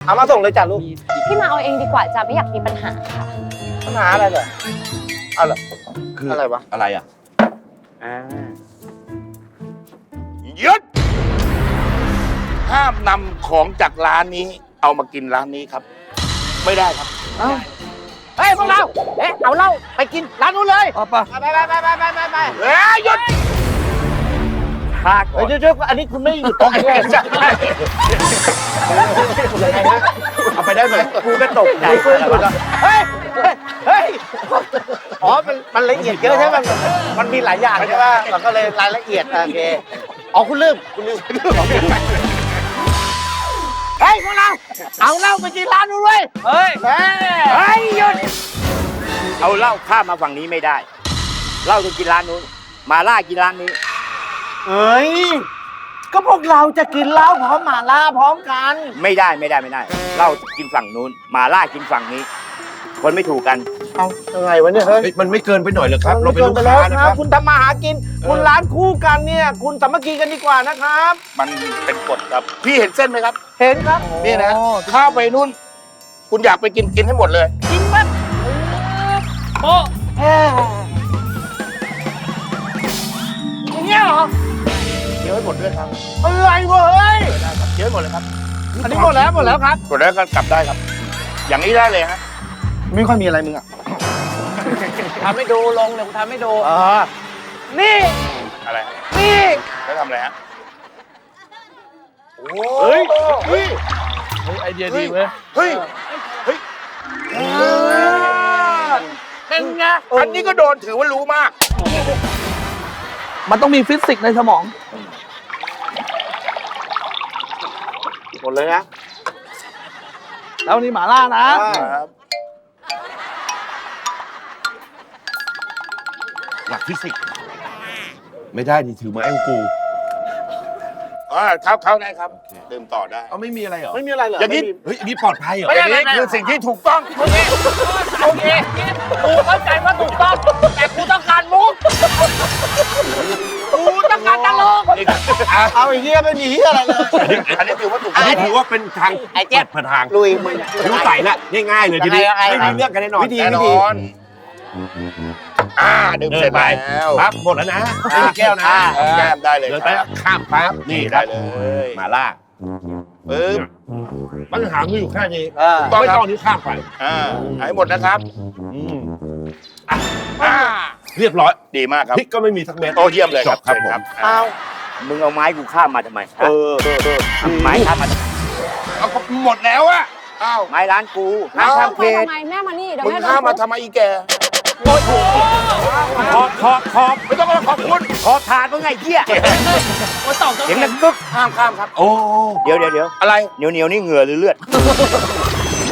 เอามาส่งเลยจ้ะลูกพี่มาเอาเองดีกว่าจ้ะไม่อยากมีปัญหาค่ะปัญหาอะไรเหรอเอาเหรอคืออะไรวะอะไรอ่ะหยุดห้ามนำของจากร้านนี้ เอามากินร้านนี้ครับ ไม่ได้ครับเฮ้ยพวกเราเอาเหล้าไปกินร้านนู้นเลยเอาปะไปเฮ้ยหยุดเฮ้ยเดี๋ยวอันนี้คุณไม่หยุดตรงนี้ใช่เอาไปได้ไหมกูก็ตกใจเฮ้ยอ๋อมันละเอียดเยอะใช่ไหมมันมีหลายอย่างใช่ไหมมันก็เลยรายละเอียดโอเคอ๋อคุณลืมเฮ้ยพวกเราเอาเหล้าไปกินร้านนู้นเลยเฮ้ยหยุดเอาเหล้าข้ามมาฝั่งนี้ไม่ได้เหล้าต้องกินร้านนู้นมาล่ากินร้านนี้เอ้ยก็พวกเราจะกินเหล้าพร้อมหม่าล่าพร้อมกันไม่ได้เหล้ากินฝั่งนู้นมาล่ากินฝั่งนี้ คนไม่ถูกกันเอายังไงวะเนี่ยเฮ้ยเฮ้ยมันไม่เกินไปหน่อยเหรอครับ เราเป็นลูกไปค้าแล้วนะคครัรับบ คุณทำมาหากิน คุณร้านคู่กันเนี่ย คุณสามัคคีกันดีกว่านะครับมันเป็นกฎครับ พี่เห็นเส้นไหมครับเห็นครับนี่นะข้าวไปนู่น คุณอยากไปกินให้หมดเลยกินปั๊บโอ้อย่างเงี้ยเหรอเดี๋ยวให้หมดด้วยครับอะไรวะเฮ้ยได้ครับเดี๋ยวให้หมดเลยครับอันนี้หมดแล้วครับหมดแล้วก็กลับได้ครับ อย่างนี้ได้เลยฮะไม่ค่อยมีอะไรมึงอ่ะทำให้ดูลงเดี๋ยวกูทำให้ดูนี่อะไรฮะนี่แล้วทำอะไรฮะเฮ้ยไอเดียดีเว้ยเฮ้ยเป็นไงอันนี้ก็โดนถือว่ารู้มากมันต้องมีฟิสิกส์ในสมองหมดเลยนะแล้วนี่หมาล่านะครับหลักฟิสิกส์ไม่ได้ดิถือไม้ของกูเข้าได้ครับดื่มต่อได้เอาไม่มีอะไรเหรอไม่มีอะไรเหรออย่างนี้เฮ้ยนี่ปลอดภัยเหรออย่างนี้คือสิ่งที่ถูกต้องโอเคกูเข้าใจว่าถูกต้องแต่กูต้องการมุกกูต้องการตลกเอาอย่างเงี้ยไม่มีเหี้ยอะไรเลยอันนี้ถือว่าถูกอันต้องนี้ถือว่าเป็นทางไอ้เจี๊ยบเปิดทางลุยมึงรู้ใส่ละง่ายๆเลยทีนี้ยังไงไม่มีเรื่องกันแน่นอนแน่นอนดื่มเดิเสร็นจไปแล้วปั๊บหมดแล้วนะไม่มีแก้วนะแก้มได้เลยเดินไปข้ามปั๊บนี่คได้รับเลยมาล่าปึ๊บปัญหาคืออยู่แค่นี้ต้องไม่ครับต้องนี้ข้ามไปให้หมดนะครับอืมอ่าเรียบร้อยดีมากครับพริกก็ไม่มีสักเม็ดโอ้เยี่ยมเลยครับจบครับเชิญผมเอามึงเอาไม้กูข้ามมาทำไม ไม้ข้ามมาทำไมเอาก็หมดแล้วอะอ้าวไม้ร้านกูห้ามข้ามเขตทำไมแม่มานี่เดี๋ยวมึงแม่โดข้ามนมาทำไมอีแกขอบไม่ต้องมาขอบคุณขอบทานมึงไงเหี้ยเสียงดังกึกห้ามข้ามครับโอ้เดี๋ยวอะไรเหนียวนี่เหงื่อหรือเลือด